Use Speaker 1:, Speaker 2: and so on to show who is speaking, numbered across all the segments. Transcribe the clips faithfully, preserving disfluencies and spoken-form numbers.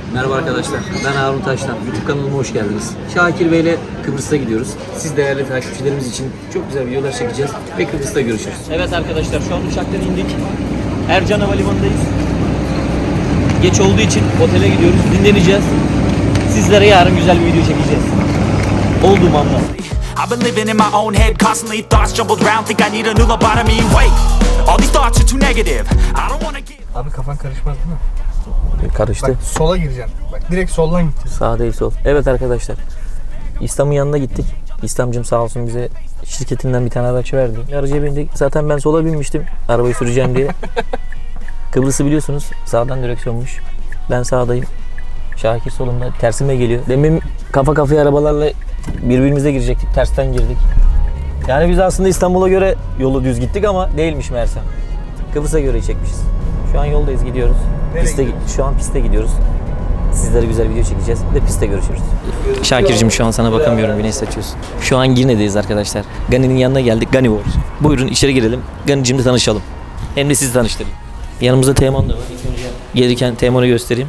Speaker 1: Merhaba arkadaşlar, ben Harun Taştan. YouTube kanalıma hoş geldiniz. Şakir Bey ile Kıbrıs'a gidiyoruz. Siz değerli takipçilerimiz için çok güzel videolar çekeceğiz ve Kıbrıs'ta görüşürüz. Evet arkadaşlar, şu an uçaktan indik. Ercan Havalimanı'ndayız. Geç olduğu için otele gidiyoruz, dinleneceğiz. Sizlere yarın güzel bir video çekeceğiz. Olduğum anda.
Speaker 2: I've been living in my own head, constantly thoughts jumbled round. Think I need a new lobotomy. Wait, all these thoughts are too negative. I don't wanna get.
Speaker 3: Abi kafan karışmaz değil mi?
Speaker 1: Karıştı.
Speaker 3: Bak sola gireceksin. Bak direkt soldan gideceğiz.
Speaker 1: Sağ değil sol. Evet arkadaşlar. İslam'ın yanına gittik. İslam'cım sağ olsun bize şirketinden bir tane araç verdi. Aracıya bindik. Zaten ben sola binmiştim. Arabayı süreceğim diye. Kıbrıs'ı biliyorsunuz. Sağdan direksiyonmuş. Ben sağdayım. Şakir solumda. Tersime geliyor. Demin kafa kafaya arabalarla birbirimize girecektik. Tersten girdik. Yani biz aslında İstanbul'a göre yolu düz gittik ama değilmiş meğersem. Kıbrıs'a göre çekmişiz. Şu an yoldayız, gidiyoruz. Piste, şu an piste gidiyoruz. Sizlere güzel video çekeceğiz ve piste görüşürüz. Şakir'cim şu an sana bakamıyorum, güneş saçıyorsun. Şu an Girne'deyiz arkadaşlar. Gani'nin yanına geldik. Gani War. Buyurun içeri girelim. Gani'cimle tanışalım. Hem de sizi tanıştırayım. Yanımızda Teğmen de var. İlk önce gelirken Teğmen'i göstereyim.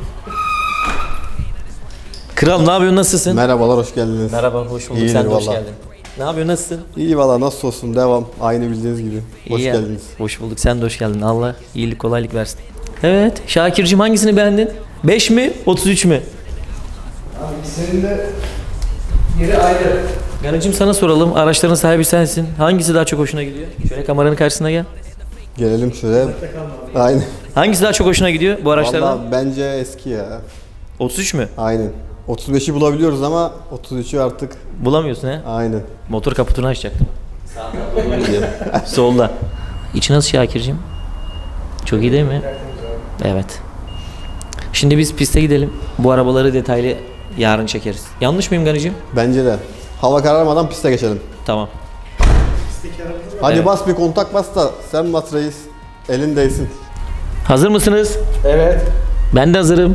Speaker 1: Kral ne yapıyorsun, nasılsın?
Speaker 4: Merhabalar, hoş geldiniz.
Speaker 1: Merhaba, hoş bulduk.
Speaker 4: İyidir
Speaker 1: Sen de hoş
Speaker 4: vallahi.
Speaker 1: geldin. Ne yapıyorsun, nasılsın?
Speaker 4: İyi valla, nasıl olsun, devam. Aynı bildiğiniz gibi. Hoş
Speaker 1: İyi ya.
Speaker 4: geldiniz.
Speaker 1: Hoş bulduk. Sen de hoş geldin. Allah iyilik, kolaylık versin. Evet. Şakir'cim hangisini beğendin? beş mi? otuz üç mü?
Speaker 3: Abi senin de yeri ayrı.
Speaker 1: Ganacığım sana soralım. Araçların sahibi sensin. Hangisi daha çok hoşuna gidiyor? Şöyle kameranın karşısına gel.
Speaker 4: Gelelim şöyle. Aynen.
Speaker 1: Hangisi daha çok hoşuna gidiyor bu araçlardan?
Speaker 4: Valla bence eski ya.
Speaker 1: otuz üç mü?
Speaker 4: Aynen. otuz beşi bulabiliyoruz ama otuz üçü artık.
Speaker 1: Bulamıyorsun he?
Speaker 4: Aynen.
Speaker 1: Motor kaputunu açacaktım. Sağdan doğru gidiyor. Solda. İçi nasıl Şakir'cim? Çok iyi değil mi? Evet. Şimdi biz piste gidelim. Bu arabaları detaylı yarın çekeriz. Yanlış mıyım Ganacığım?
Speaker 4: Bence de. Hava kararmadan piste geçelim.
Speaker 1: Tamam.
Speaker 4: Hadi
Speaker 1: Evet.
Speaker 4: bas bir kontak bas da sen bas reis. Elin değsin.
Speaker 1: Hazır mısınız?
Speaker 3: Evet.
Speaker 1: Ben de hazırım.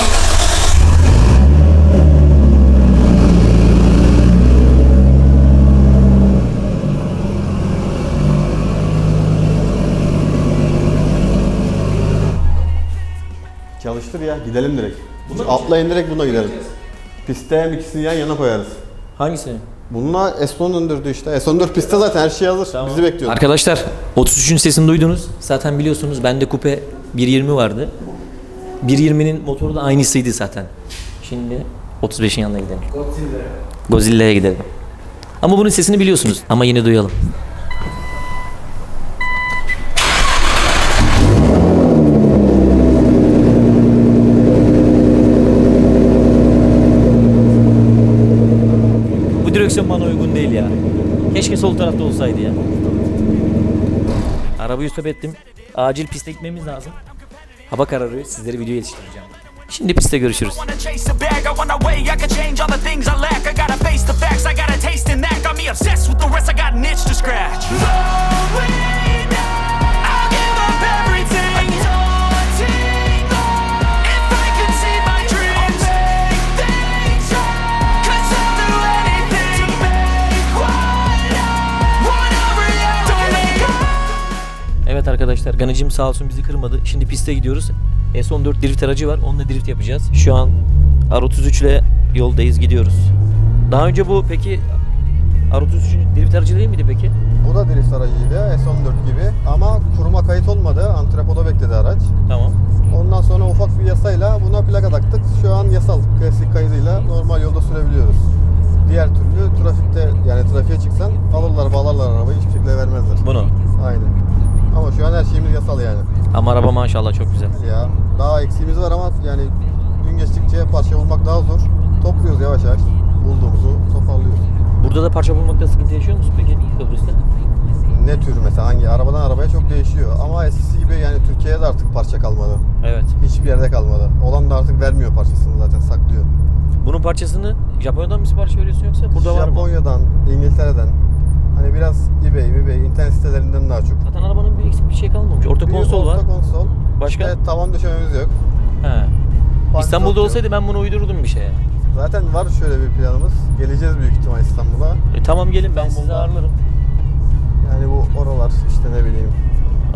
Speaker 4: Çalıştır ya, gidelim direkt. Atlayın direkt, buna gidelim. Piste hem ikisini yan yana koyarız.
Speaker 1: Hangisini?
Speaker 4: Bununla S on döndürdü işte. S on dört pistte zaten her şey hazır. Bizi bekliyor.
Speaker 1: Arkadaşlar otuz üçün sesini duydunuz. Zaten biliyorsunuz bende kupe bir yirmi vardı. bir yirminin motoru da aynısıydı zaten. Şimdi otuz beşin yanına gidelim.
Speaker 3: Godzilla.
Speaker 1: Godzilla'ya gidelim. Ama bunun sesini biliyorsunuz. Ama yine duyalım. Bu direksiyon bana uygun değil ya. Keşke sol tarafta olsaydı ya. Arabayı stop ettim. Acil piste gitmemiz lazım. Hava kararıyor. Sizlere video yetiştireceğim. Şimdi piste görüşürüz.
Speaker 2: I wanna chase a bag, I wanna weigh, I can change all the things I lack. I gotta face the facts, I got a taste in that. Got me obsessed with the rest, I got an itch to scratch. I'll give up everything. If I could see my dreams, I'll make things right. 'Cause I'll do anything to make what I want a reality.
Speaker 1: Evet arkadaşlar, Ganacığım sağ olsun bizi kırmadı. Şimdi piste gidiyoruz. S on dört drift aracı var. Onunla drift yapacağız. Şu an R otuz üç ile yoldayız, gidiyoruz. Daha önce bu peki R otuz üç drift aracı değil miydi peki?
Speaker 4: Bu da drift aracıydı, S on dört gibi ama kuruma kayıt olmadı, antrepoda bekledi araç.
Speaker 1: Tamam.
Speaker 4: Ondan sonra ufak bir yasayla buna plaka taktık. Şu an yasal klasik kaydıyla normal yolda sürebiliyoruz. Diğer türlü trafikte, yani trafiğe çıksan alırlar, bağlarlar arabayı, hiçbir şekilde vermezler.
Speaker 1: Bunu.
Speaker 4: Aynen. Ama şu an her şeyimiz yasal yani.
Speaker 1: Ama araba maşallah çok güzel.
Speaker 4: Ya daha eksiğimiz var ama yani gün geçtikçe parça bulmak daha zor. Topluyoruz yavaş yavaş. Bulduğumuzu toparlıyoruz.
Speaker 1: Burada da parça bulmakta sıkıntı yaşıyor musun peki Kıbrıs'ta?
Speaker 4: Ne tür mesela, hangi arabadan arabaya çok değişiyor. Ama eskisi gibi yani Türkiye'de de artık parça kalmadı.
Speaker 1: Evet.
Speaker 4: Hiçbir yerde kalmadı. Olan da artık vermiyor parçasını, zaten saklıyor.
Speaker 1: Bunun parçasını Japonya'dan mı sipariş veriyorsun yoksa burada var mı?
Speaker 4: Japonya'dan, İngiltere'den. Hani biraz eBay, eBay, internet sitelerinden daha çok.
Speaker 1: Zaten arabanın bir eksik bir şey kalmamış. Orta
Speaker 4: Bir
Speaker 1: konsol var.
Speaker 4: orta konsol.
Speaker 1: Başka?
Speaker 4: İşte tavan döşememiz yok.
Speaker 1: He. İstanbul'da
Speaker 4: Panjur yok.
Speaker 1: olsaydı ben bunu uydururdum bir şeye.
Speaker 4: Zaten var şöyle bir planımız. Geleceğiz büyük ihtimal İstanbul'a.
Speaker 1: E, tamam gelin, ben sizi
Speaker 4: İstanbul'da.
Speaker 1: ağırlarım.
Speaker 4: Yani bu oralar işte, ne bileyim.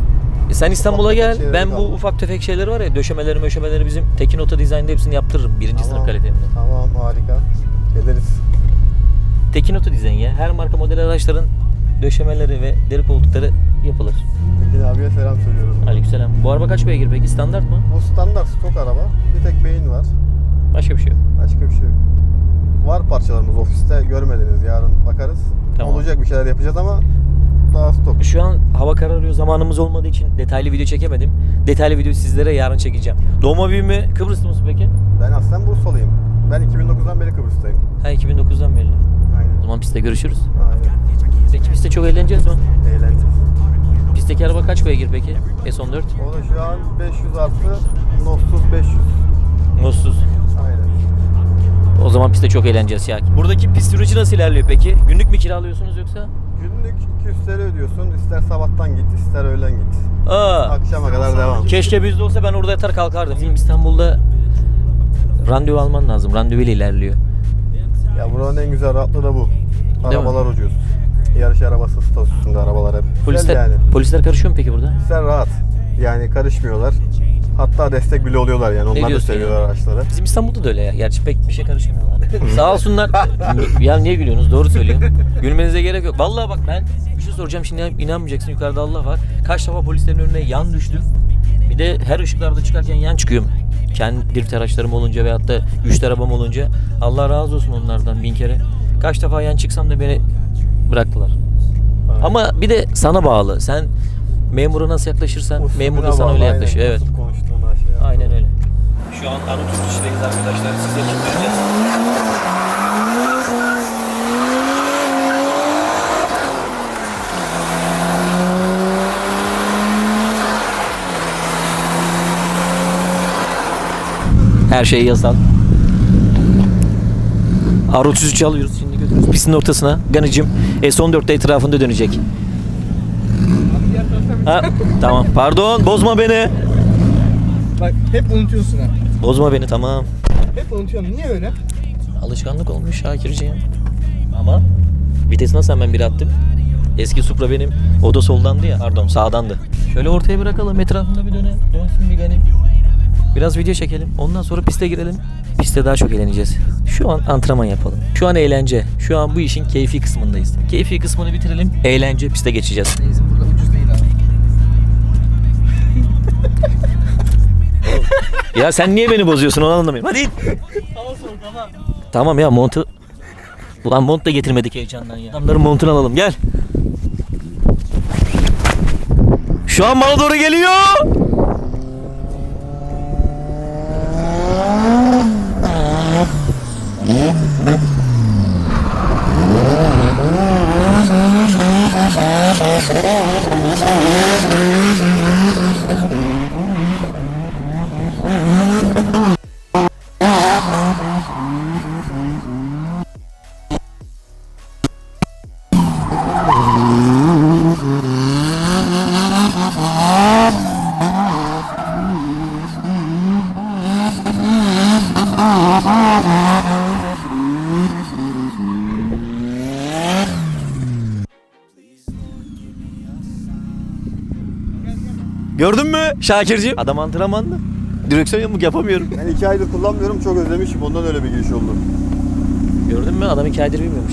Speaker 1: E sen İstanbul'a
Speaker 4: Ufak
Speaker 1: gel.
Speaker 4: tefek
Speaker 1: Ben
Speaker 4: şeyleri
Speaker 1: bu
Speaker 4: kaldı.
Speaker 1: ufak tefek şeyleri var ya, döşemeleri möşemeleri bizim Tekin Oto Design'da hepsini yaptırırım. Birinci
Speaker 4: Tamam.
Speaker 1: sınıf kalitemle.
Speaker 4: Tamam, harika. Geliriz.
Speaker 1: Tekin Oto Design ya. Her marka model araçların döşemeleri ve deri koltukları yapılır.
Speaker 4: Tekin abiye selam söylüyoruz.
Speaker 1: Aleykümselam. Bu araba kaç beygir peki? Standart mı?
Speaker 4: Bu standart stok araba. Bir tek beyin var.
Speaker 1: Başka bir şey yok.
Speaker 4: Başka bir şey yok. Var parçalarımız ofiste, görmediniz. Yarın bakarız.
Speaker 1: Tamam.
Speaker 4: Olacak bir şeyler yapacağız ama daha stok.
Speaker 1: Şu an hava kararıyor. Zamanımız olmadığı için detaylı video çekemedim. Detaylı video sizlere yarın çekeceğim. Doğma büyüme Kıbrıslı mısın peki?
Speaker 4: Ben aslen Bursalıyım. Ben iki bin dokuzdan beri Kıbrıs'tayım.
Speaker 1: Ha, iki bin dokuzdan belli. O
Speaker 4: Aynen.
Speaker 1: zaman pistte görüşürüz.
Speaker 4: Aynen.
Speaker 1: Peki pistte çok eğleneceğiz mi?
Speaker 4: Eğleneceğiz.
Speaker 1: Pistteki araba kaç beygir peki? S on dört.
Speaker 4: O da şu an beş yüz artı Nossuz beş yüz.
Speaker 1: Mutsuz.
Speaker 4: Aynen.
Speaker 1: O zaman pistte çok eğleneceğiz ya. Buradaki pist süreci nasıl ilerliyor peki? Günlük mü kiralıyorsunuz yoksa?
Speaker 4: Günlük iki yüz T L ödüyorsun. İster sabahtan git, ister öğlen git.
Speaker 1: Aa,
Speaker 4: Akşama kadar devam.
Speaker 1: keşke bizde olsa, ben orada yatar kalkardım. Bizim İstanbul'da randevu alman lazım. Randevu ile ilerliyor.
Speaker 4: Ya buranın en güzel rahatlığı da bu.
Speaker 1: Değil
Speaker 4: Arabalar ucuz. Yarış arabası statüsünde arabalar hep. Güzel
Speaker 1: Polisler
Speaker 4: yani.
Speaker 1: polisler karışıyor mu peki burada?
Speaker 4: Polisler rahat. Yani karışmıyorlar. Hatta destek bile oluyorlar yani. Onlar da
Speaker 1: diyorsun
Speaker 4: seviyorlar
Speaker 1: ya?
Speaker 4: araçları.
Speaker 1: Bizim İstanbul'da da öyle ya. Gerçi pek bir şey karışmıyorlar. Sağ olsunlar. Ya niye gülüyorsunuz? Doğru söylüyorum. Gülmenize gerek yok. Vallahi bak, ben bir şey soracağım şimdi, inanmayacaksın. Yukarıda Allah var. Kaç defa polislerin önüne yan düştüm. Bir de her ışıklarda çıkarken yan çıkıyorum. Kendi drift araçlarım olunca veyahut da güçlü arabam olunca. Allah razı olsun onlardan bin kere. Kaç defa yan çıksam da beni bıraktılar.
Speaker 4: Aynen.
Speaker 1: Ama bir de sana bağlı. Sen memura nasıl yaklaşırsan
Speaker 4: Usulüne
Speaker 1: memur da sana
Speaker 4: bağlı,
Speaker 1: öyle
Speaker 4: aynen.
Speaker 1: yaklaşıyor. Evet.
Speaker 4: Nasıl konuştuğuna şey yapıyor.
Speaker 1: Aynen öyle. Şu an Anadolu işleriyiz arkadaşlar. Size kim vereceğiz? Her şey yasal. R otuz üçü alıyoruz şimdi, götürüyoruz pistin ortasına. Ganıcım S on dörtte etrafında dönecek. Ha, tamam, pardon, bozma beni.
Speaker 3: Bak hep unutuyorsun ha.
Speaker 1: Bozma beni, tamam.
Speaker 3: Hep unutuyorsun. Niye öyle?
Speaker 1: Alışkanlık olmuş Şakirciğim. Ama vites nasıl hemen bir attım. Eski Supra benim. O da soldandı ya. Pardon, sağdandı. Şöyle ortaya bırakalım. Etrafında bir döne. Dönsün bir benim. Biraz video çekelim. Ondan sonra piste girelim. Piste daha çok eğleneceğiz. Şu an antrenman yapalım. Şu an eğlence. Şu an bu işin keyfi kısmındayız. Keyfi kısmını bitirelim. Eğlence, piste geçeceğiz.
Speaker 3: Benzin burada ucuz değil abi.
Speaker 1: Ya sen niye beni bozuyorsun, onu anlamıyorum. Hadi.
Speaker 3: Tamam tamam.
Speaker 1: Tamam ya, montu. Ulan mont da getirmedik heyecandan ya. Adamların montunu alalım, gel. Şu an bana doğru geliyor. Gördün mü Şakirciğim? Adam antrenmanlı. Direksiyon yamuk yapamıyorum.
Speaker 4: Ben iki aydır kullanmıyorum. Çok özlemişim. Ondan öyle bir giriş oldu.
Speaker 1: Gördün mü? Adam iki aydır bilmiyormuş.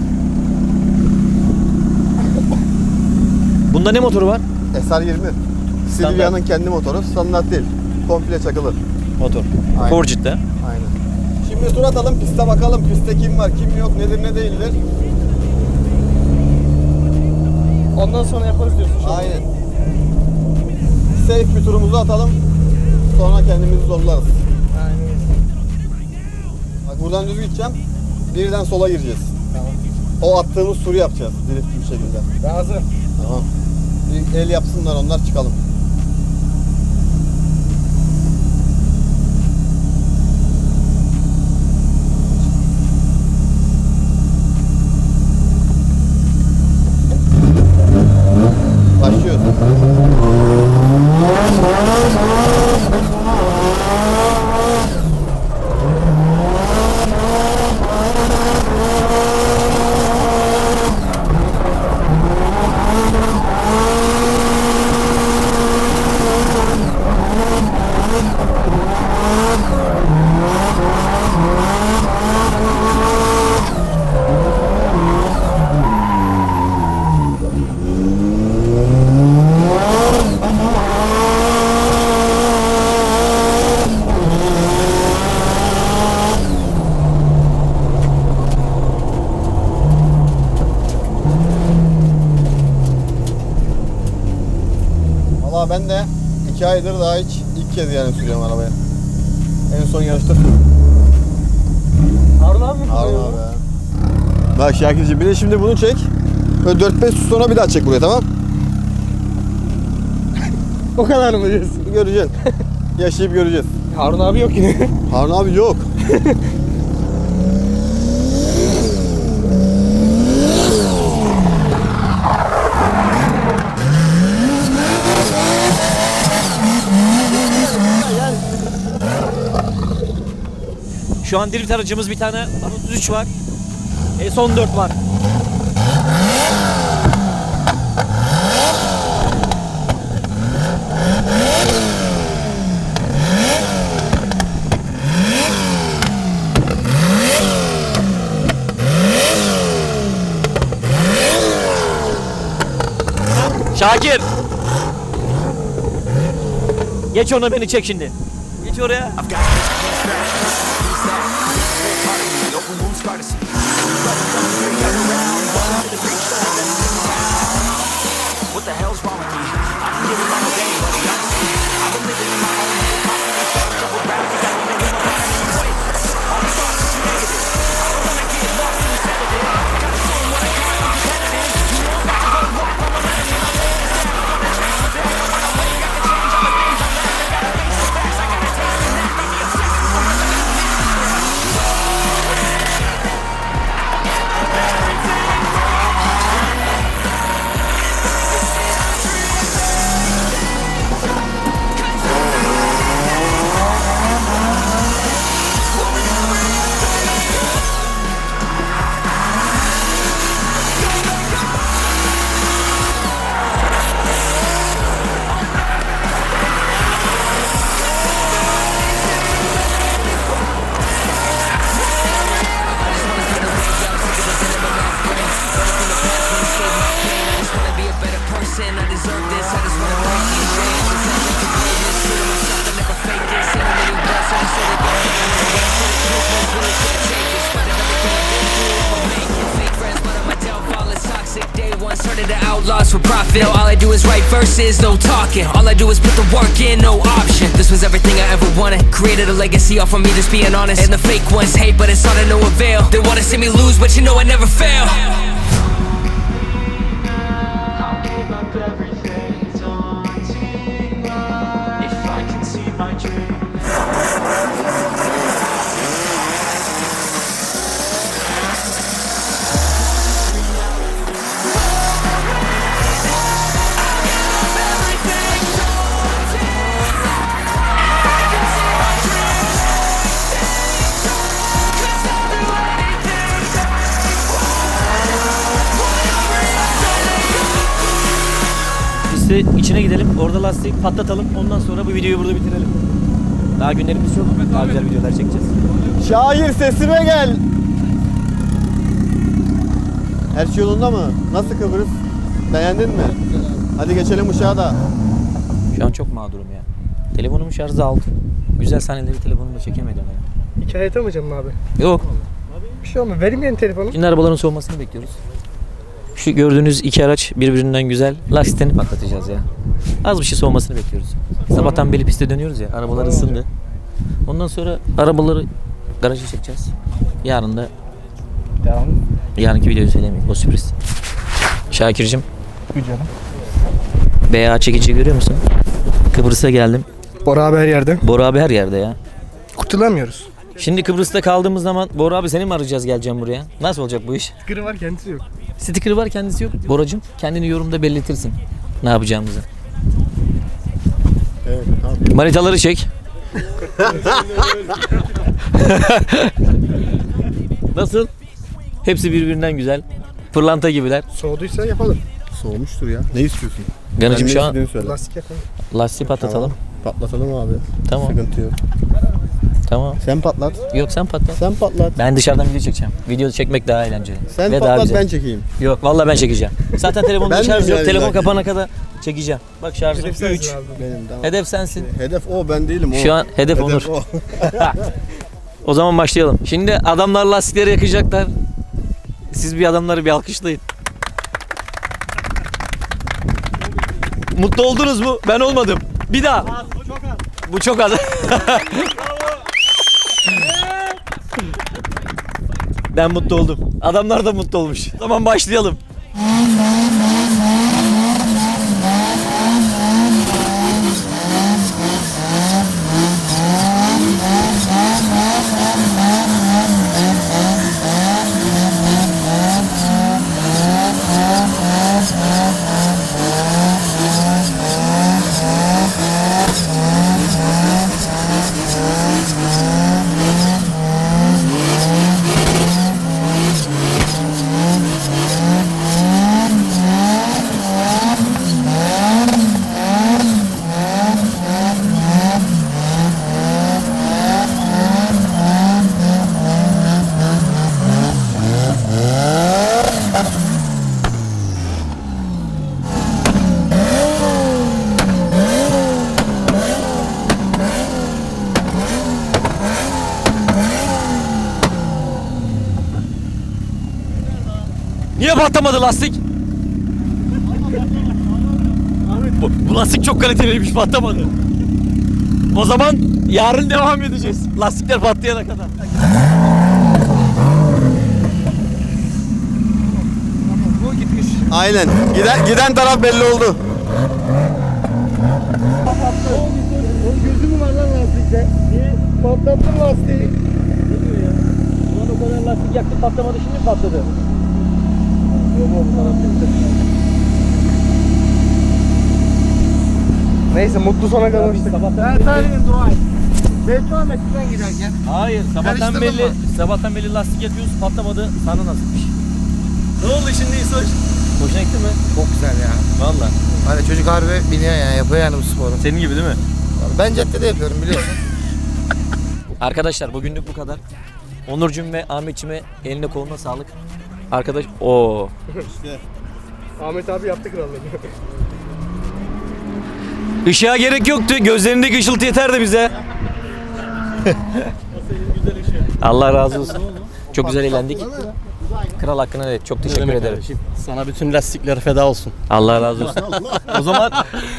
Speaker 1: Bunda ne motoru var?
Speaker 4: S R yirmi. Silvia'nın kendi motoru. Standart değil. Komple çakılı.
Speaker 1: Motor.
Speaker 4: Aynen.
Speaker 1: Forgit'te.
Speaker 4: Aynen. Şimdi tur atalım. Piste bakalım. Piste kim var, kim yok, nedir, ne değildir.
Speaker 3: Ondan sonra yaparız diyorsun. Şu an.
Speaker 4: Aynen. Safe bir turumuzu atalım. Sonra kendimizi zorlarız.
Speaker 3: Aynen.
Speaker 4: Bak buradan düz gideceğim. Birden sola gireceğiz.
Speaker 3: Tamam.
Speaker 4: O attığımız turu yapacağız. Drift bir şekilde.
Speaker 3: Razı.
Speaker 4: Tamam. Bir el yapsınlar onlar, çıkalım. Başlıyoruz. Valla ben de iki aydır daha hiç ilk kez yani sürüyorum arabaya. En son yarışta sürdüm.
Speaker 3: Harun abi mi
Speaker 4: Harun
Speaker 3: kullanıyor?
Speaker 4: abi ya. Bak Şakir'cim bir de şimdi bunu çek. Böyle dört beş su sonra bir daha çek buraya, tamam?
Speaker 3: O kadar mı diyorsun?
Speaker 4: Göreceksin. Yaşayıp göreceğiz.
Speaker 3: Harun abi yok yine.
Speaker 4: Harun abi yok.
Speaker 1: Şu an drift aracımız bir tane otuz üç var. S on dört var. Şakir. Geç ona, beni çek şimdi. Geç oraya.
Speaker 2: What the hell's wrong with me? I can get along with anybody, honestly. I've been living in my own little pocket, fucked up with rap, you got me making my mind anyway. All the thoughts are too negative. I don't wanna get lost in the sedative. Gotta show 'em what I got, I'm competitive. You know I'm about to go walk on my limit. I'm laying this down, I'm on the track today. I'm on my way, I can change all the things I lack. I gotta face the facts, I gotta taste the knack. Got me obsessed with the rest, I gotta make it scratch. Outlaws for profit. Now all I do is write verses, no talking. All I do is put the work in, no option. This was everything I ever wanted. Created a legacy off of me, just being honest. And the fake ones hate, but it's all to no avail. They wanna see me lose, but you know I never fail. I'll give up everything, daunting if I can see my dream.
Speaker 1: Pistte içine gidelim, orada lastiği patlatalım. Ondan sonra bu videoyu burada bitirelim. Daha günlerimiz çok. Daha güzel videolar çekeceğiz.
Speaker 4: Şair sesime gel. Her şey yolunda mı? Nasıl Kıbrıs? Beğendin mi? Hadi geçelim uçağa da.
Speaker 1: Şu an çok mağdurum ya. Telefonumun şarjı aldı. Güzel sahneleri telefonumda çekemedim ya.
Speaker 3: Hikaye atamayacağım mı abi?
Speaker 1: Yok.
Speaker 3: Bir şey olmaz. Vereyim yeni telefonu.
Speaker 1: Şimdi arabaların soğumasını bekliyoruz. Şu gördüğünüz iki araç birbirinden güzel. Lastiklerini patlatacağız ya. Az bir şey soğumasını bekliyoruz. Sabahtan beri piste dönüyoruz ya. Arabalar ısındı. Ondan sonra arabaları garaja çekeceğiz. Yarın da
Speaker 3: Devam.
Speaker 1: yarınki videoyu söylemeyeyim. O sürpriz. Şakir'cim.
Speaker 3: Canım.
Speaker 1: B A çekiciyi görüyor musun? Kıbrıs'a geldim.
Speaker 3: Bora abi her yerde.
Speaker 1: Bora abi her yerde ya.
Speaker 3: Kurtulamıyoruz.
Speaker 1: Şimdi Kıbrıs'ta kaldığımız zaman Bora abi seni mi arayacağız, geleceğim buraya? Nasıl olacak bu iş?
Speaker 3: Kırı var kendisi yok.
Speaker 1: Sticker'ı var, kendisi yok. Boracığım kendini yorumda belirtirsin ne yapacağımızı.
Speaker 4: Evet, tamam.
Speaker 1: Manitaları çek. Nasıl? Hepsi birbirinden güzel. Pırlanta gibiler.
Speaker 3: Soğuduysa yapalım.
Speaker 4: Soğumuştur ya. Ne istiyorsun?
Speaker 1: Ganacım
Speaker 4: Ben
Speaker 1: şu
Speaker 4: ne
Speaker 1: an
Speaker 4: istediğini söyle.
Speaker 3: Lastik yapalım.
Speaker 1: lastiği patlatalım.
Speaker 4: Patlatalım abi.
Speaker 1: Tamam.
Speaker 4: Sıkıntı yok.
Speaker 1: Tamam.
Speaker 4: Sen patlat.
Speaker 1: Yok sen patlat.
Speaker 4: Sen patlat.
Speaker 1: Ben dışarıdan video çekeceğim. Video çekmek daha eğlenceli.
Speaker 4: Sen
Speaker 1: Ve daha
Speaker 4: patlat
Speaker 1: güzel.
Speaker 4: ben çekeyim.
Speaker 1: Yok vallahi ben çekeceğim. Zaten telefonda
Speaker 4: Ben
Speaker 1: şarj
Speaker 4: de
Speaker 1: yok.
Speaker 4: yani
Speaker 1: Telefon
Speaker 4: zaten.
Speaker 1: kapana kadar çekeceğim. Bak şarjım
Speaker 3: Hedef sensin
Speaker 1: üç.
Speaker 3: abi.
Speaker 4: Benim tamam.
Speaker 1: Hedef sensin.
Speaker 4: Hedef o, ben değilim o.
Speaker 1: Şu an hedef Onur.
Speaker 4: o.
Speaker 1: O zaman başlayalım. Şimdi adamlar lastikleri yakacaklar. Siz bir adamları bir alkışlayın. Mutlu oldunuz mu? Ben olmadım. Bir daha.
Speaker 5: Bu çok az.
Speaker 1: Bu çok az. Ben mutlu oldum. Adamlar da mutlu olmuş. Tamam başlayalım. Niye patlamadı lastik? Bu, bu lastik çok kaliteliymiş, patlamadı. O zaman yarın devam edeceğiz. Lastikler patlayana kadar.
Speaker 3: Bu gitmiş.
Speaker 4: Aynen. Giden, giden taraf belli oldu.
Speaker 3: Onun gözü mü var lan lastikte? Niye? Patlattın lastiği.
Speaker 1: Ne diyor ya? Ulan o kadar lastik yaktı patlamadı, şimdi patladı.
Speaker 3: Neyse mutlu sona kalmıştık. Ben tarihin dua et. Beddua Mesut'tan giderken.
Speaker 1: Hayır, sabahtan
Speaker 3: Karıştırdın
Speaker 1: belli,
Speaker 3: mı?
Speaker 1: sabahtan belli lastik yakıyoruz, patlamadı. Sana nasipmiş. Ne oldu şimdi İsoş? Hoşuna gitti mi?
Speaker 6: Çok güzel ya.
Speaker 1: Valla.
Speaker 6: Hani çocuk harbi biniyor yani, yapıyor yani bu sporu.
Speaker 1: Senin gibi değil mi?
Speaker 6: Ben caddede yapıyorum biliyorsun.
Speaker 1: Arkadaşlar bugünlük bu kadar. Onurcuğum ve Ahmetçime eline koluna sağlık. Arkadaş, o
Speaker 3: Ahmet abi yaptı krallığını.
Speaker 1: Işığa gerek yoktu. Gözlerindeki ışıltı yeterdi bize. Allah razı olsun. Çok güzel eğlendik. Kral hakkına evet. Çok teşekkür ederim.
Speaker 5: Sana bütün lastikler feda olsun.
Speaker 1: Allah razı olsun. O zaman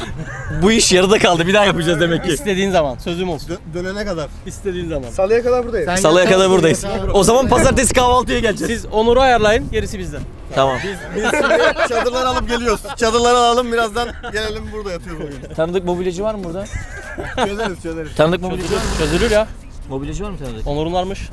Speaker 1: bu iş yarıda kaldı. Bir daha yapacağız demek ki.
Speaker 5: İstediğin zaman sözüm olsun.
Speaker 4: Dönene kadar.
Speaker 5: İstediğin zaman.
Speaker 3: Salıya kadar buradayız.
Speaker 1: Salıya kadar buradayız. O zaman pazartesi kahvaltıya geleceğiz.
Speaker 5: Siz Onur'u ayarlayın, gerisi bizden.
Speaker 1: Tamam.
Speaker 4: Biz şimdi çadırları alıp geliyoruz. Çadırları alalım, birazdan gelelim, burada yatıyoruz bugün.
Speaker 1: Tanıdık mobilyacı var mı burada?
Speaker 4: Çözeriz çözeriz.
Speaker 1: Tanıdık mobilyacı var mı?
Speaker 5: Çözülür ya.
Speaker 1: Mobilyacı var mı tanıdık?
Speaker 5: Onur'un varmış.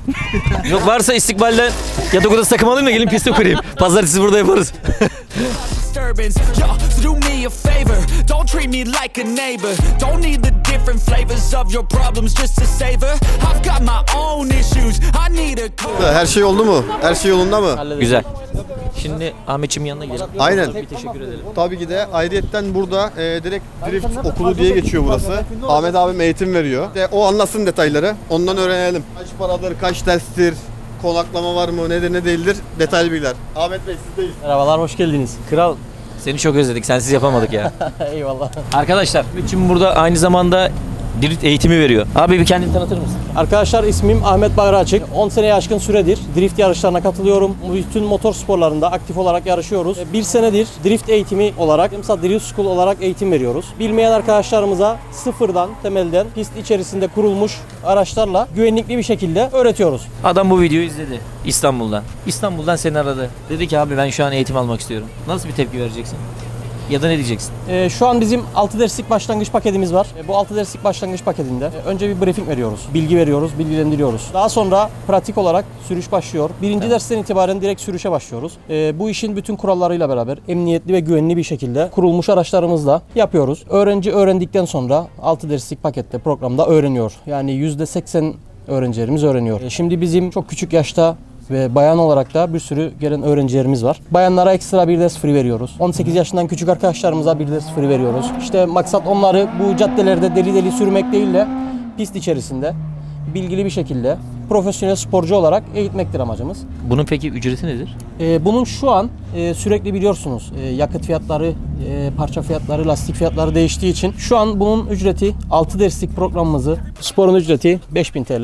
Speaker 1: Yok, varsa istikbalde yatak odası takım alayım da gelin piste kurayım. Pazartesi burada yaparız.
Speaker 2: Disturbance, yo, so do me a favor. Don't treat me like a neighbor. Don't need the different flavors of your problems just to savor. I've got my own issues. I need a
Speaker 4: Her şey oldu mu? Her şey yolunda mı?
Speaker 1: Güzel. Şimdi Ahmetçimin yanına gidelim.
Speaker 4: Aynen.
Speaker 1: Bir teşekkür edelim.
Speaker 4: Tabii ki de ayrıyetten burada e, direkt drift okulu diye geçiyor burası. Ahmet abim eğitim veriyor. De, o anlatsın detayları. Ondan öğrenelim. Kaç paradır, kaç derstir, konaklama var mı, nedir ne değildir, detaylı bilgiler. Ahmet Bey sizdeyiz.
Speaker 5: Merhabalar, hoş geldiniz.
Speaker 1: Kral, seni çok özledik. Sensiz yapamadık ya.
Speaker 5: Eyvallah.
Speaker 1: Arkadaşlar, Ahmetçim burada aynı zamanda drift eğitimi veriyor. Abi bir kendini tanıtır mısın?
Speaker 5: Arkadaşlar, ismim Ahmet Bayraçık. on seneye aşkın süredir drift yarışlarına katılıyorum. Bütün motor sporlarında aktif olarak yarışıyoruz. Bir senedir drift eğitimi olarak, mesela Drift School olarak eğitim veriyoruz. Bilmeyen arkadaşlarımıza sıfırdan, temelden pist içerisinde kurulmuş araçlarla güvenlikli bir şekilde öğretiyoruz.
Speaker 1: Adam bu videoyu izledi İstanbul'dan. İstanbul'dan seni aradı. Dedi ki abi ben şu an eğitim almak istiyorum. Nasıl bir tepki vereceksin? Ya da ne diyeceksin?
Speaker 5: Ee, şu an bizim altı derslik başlangıç paketimiz var. Ee, bu altı derslik başlangıç paketinde e, önce bir briefing veriyoruz. Bilgi veriyoruz, bilgilendiriyoruz. Daha sonra pratik olarak sürüş başlıyor. Birinci evet. dersten itibaren direkt sürüşe başlıyoruz. Ee, bu işin bütün kurallarıyla beraber emniyetli ve güvenli bir şekilde kurulmuş araçlarımızla yapıyoruz. Öğrenci öğrendikten sonra altı derslik pakette programda öğreniyor. Yani yüzde seksen öğrencilerimiz öğreniyor. Ee, şimdi bizim çok küçük yaşta ve bayan olarak da bir sürü gelen öğrencilerimiz var. Bayanlara ekstra bir ders free veriyoruz. on sekiz yaşından küçük arkadaşlarımıza bir ders free veriyoruz. İşte maksat onları bu caddelerde deli deli sürmek değil de pist içerisinde bilgili bir şekilde profesyonel sporcu olarak eğitmektir amacımız.
Speaker 1: Bunun peki ücreti nedir?
Speaker 5: Ee, bunun şu an e, sürekli biliyorsunuz e, yakıt fiyatları, e, parça fiyatları, lastik fiyatları değiştiği için şu an bunun ücreti altı derslik programımızı, sporun ücreti beş bin T L.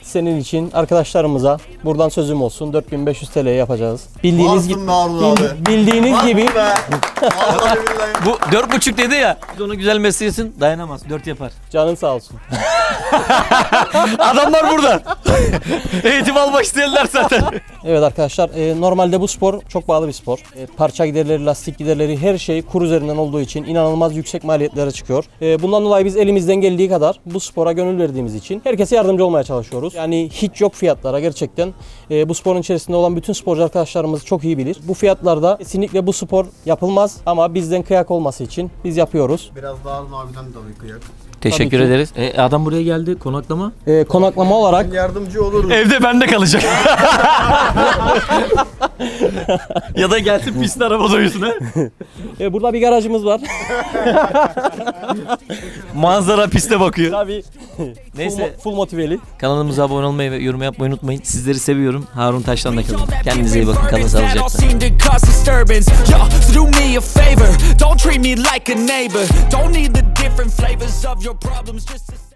Speaker 5: senin için arkadaşlarımıza buradan sözüm olsun dört bin beş yüz T L'ye yapacağız. Bildiğiniz
Speaker 4: Varsın
Speaker 5: gibi
Speaker 4: be Harun abi.
Speaker 5: bildi- bildiğiniz gibi
Speaker 4: Be. Vallahi billahi.
Speaker 1: Bu dört buçuk dedi ya. Biz onu güzel mesleğisin dayanamaz. Dört yapar.
Speaker 5: canın sağ olsun.
Speaker 1: Adamlar burada. Eğitim almak isteyenler zaten.
Speaker 5: Evet arkadaşlar e, normalde bu spor çok pahalı bir spor. E, parça giderleri, lastik giderleri her şey kur üzerinden olduğu için inanılmaz yüksek maliyetlere çıkıyor. E, bundan dolayı biz elimizden geldiği kadar bu spora gönül verdiğimiz için herkese yardımcı olmaya çalışıyoruz. Yani hiç yok fiyatlara gerçekten e, bu sporun içerisinde olan bütün sporcu arkadaşlarımız çok iyi bilir. Bu fiyatlarda kesinlikle bu spor yapılmaz ama bizden kıyak olması için biz yapıyoruz.
Speaker 4: Biraz daha Harun abiden tabii kıyak.
Speaker 1: Teşekkür
Speaker 5: Tabii ki.
Speaker 1: ederiz. E, adam buraya geldi konaklama.
Speaker 5: E, konaklama olarak
Speaker 4: Yardımcı oluruz.
Speaker 1: Evde bende kalacak. Ya da gelsin pistte arabada uyusun ha.
Speaker 5: e, burada bir garajımız var.
Speaker 1: Manzara piste bakıyor.
Speaker 5: Tabii.
Speaker 1: Neyse.
Speaker 5: Full, mo- full motiveli.
Speaker 1: Kanalımıza abone olmayı ve yorum yapmayı unutmayın. Sizleri seviyorum. Harun Taş'tan da kalın. Kendinize iyi bakın. Kalın
Speaker 2: That all
Speaker 1: sağlıcakla.
Speaker 2: seem to cause disturbance. Yo, so do me a favor, don't treat me like a neighbor. Don't need the different flavors of your problems just to